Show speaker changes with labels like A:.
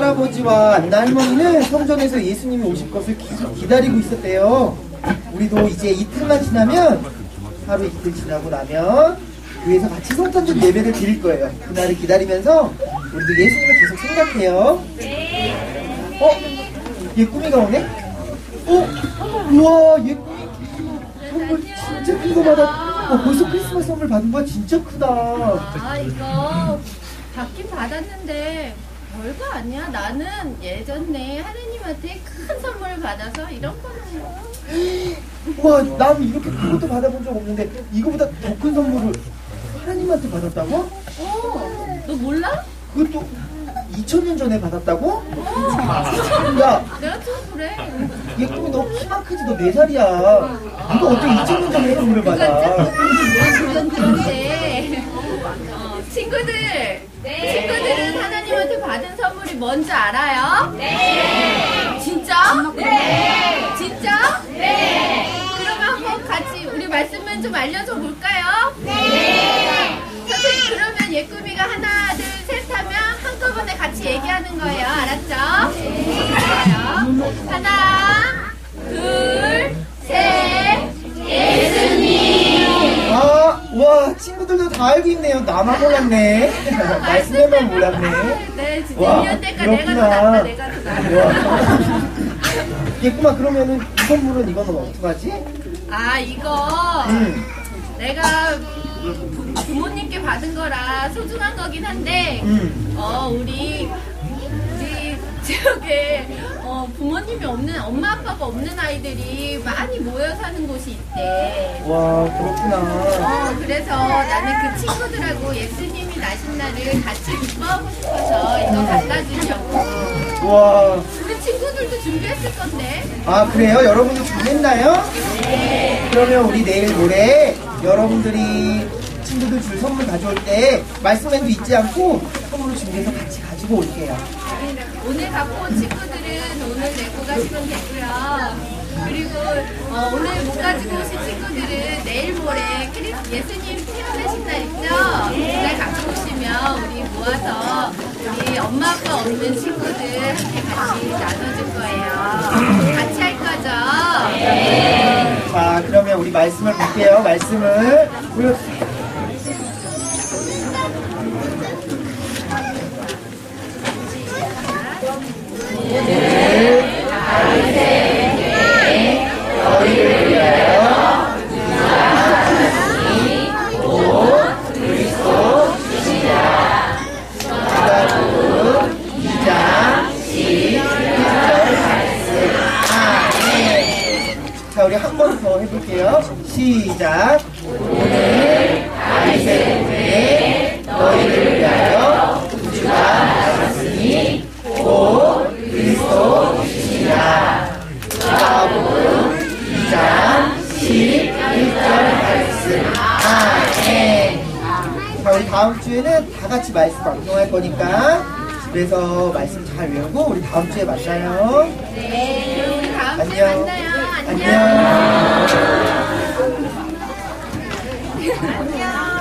A: 할아버지와 안나 할머니는 성전에서 예수님이 오실 것을 기다리고 있었대요. 우리도 이제 이틀만 지나면, 하루 이틀 지나고 나면 교회에서 같이 성탄절 예배를 드릴 거예요. 그날을 기다리면서 우리도 예수님을 계속 생각해요. 예꿈이가 오네? 우와, 예꿈이 선물 진짜 큰 거 받았. 벌써 크리스마스 선물 받은 거야? 진짜 크다.
B: 이거 받긴 받았는데 별거 아니야. 나는 예전에 하느님한테 큰 선물을 받아서 이런 거는.
A: 와, 난 이렇게 큰 것도 받아본 적 없는데 이거보다 더 큰 선물을 하나님한테 받았다고?
B: 너 몰라?
A: 그것도 2000년 전에 받았다고? 야,
B: 내가 좀 그래.
A: 예쁨이 너 키만 크지, 너 4살이야. 네가 어떻게 2000년 전에 선물을 받아?
B: 그건 그런데 친구들은 하나님한테 받은 선물이 뭔지 알아요? 네. 진짜? 네. 진짜? 네. 그러면 한번 같이 우리 말씀만 좀 알려줘 볼까요? 네. 선생님, 그러면 예쁨이가 하나, 둘, 셋 하면 한꺼번에 같이 얘기하는 거예요. 알았죠? 네. 좋아요. 하나, 둘, 셋. 예수님.
A: 와, 친구들도 다 알고 있네요. 나만 몰랐네. 말씀에만 몰랐네.
B: 네, 진짜
A: 와,
B: 1년 때까
A: 그렇구나.
B: 내가 더 낫다.
A: 예쁨아, 그러면은 이 선물은 이거는 어떡하지?
B: 이거 내가 부모님께 받은 거라 소중한 거긴 한데 우리 지역에 부모님이 없는, 엄마 아빠가 없는 아이들이 많이 모여 사는 곳이 있대.
A: 와, 그렇구나.
B: 그래서 나는 그 친구들하고 예수님이 나신 날을 같이 기뻐하고 싶어서 이거 갖다 주려고.
A: 와.
B: 근데 친구들도 준비했을 건데.
A: 그래요? 여러분도 준비했나요? 네. 그러면 우리 내일 모레 여러분들이 친구들 줄 선물 가져올 때 말씀에도 잊지 않고 선물을 준비해서 같이 가지고 올게요.
B: 오늘 갖고 온 친구들은 오늘 내고 가시면 되고요. 그리고 오늘 못 가지고 오신 친구들은 내일 모레 예수님 태어나신 날 있죠? 그날 갖고 오시면 우리 모아서 우리 엄마 아빠 없는 친구들한테 같이 나눠줄 거예요. 같이 할 거죠? 네.
A: 자, 그러면 우리 말씀을 볼게요. 말씀을 보여주세요. 오늘 다윗의 너희를 위하여 주시니 곧 그리스도시라. 마가복음 2장 11절 말씀. 아멘. 자, 우리 한 번 더 해볼게요. 시작. 오늘 다윗의 후에 너희를 위하여 구주가 나셨으니 곧 그리스도시라. 마가복음 2장 11절 말씀. 아멘. 자, 우리 다음 주에는 다 같이 말씀 방송할 거니까 집에서 말씀 잘 외우고 우리 다음 주에 만나요.
B: 네, 그럼 우리 다음 주에
A: 안녕.
B: 만나요.
A: 안녕.
B: 안녕.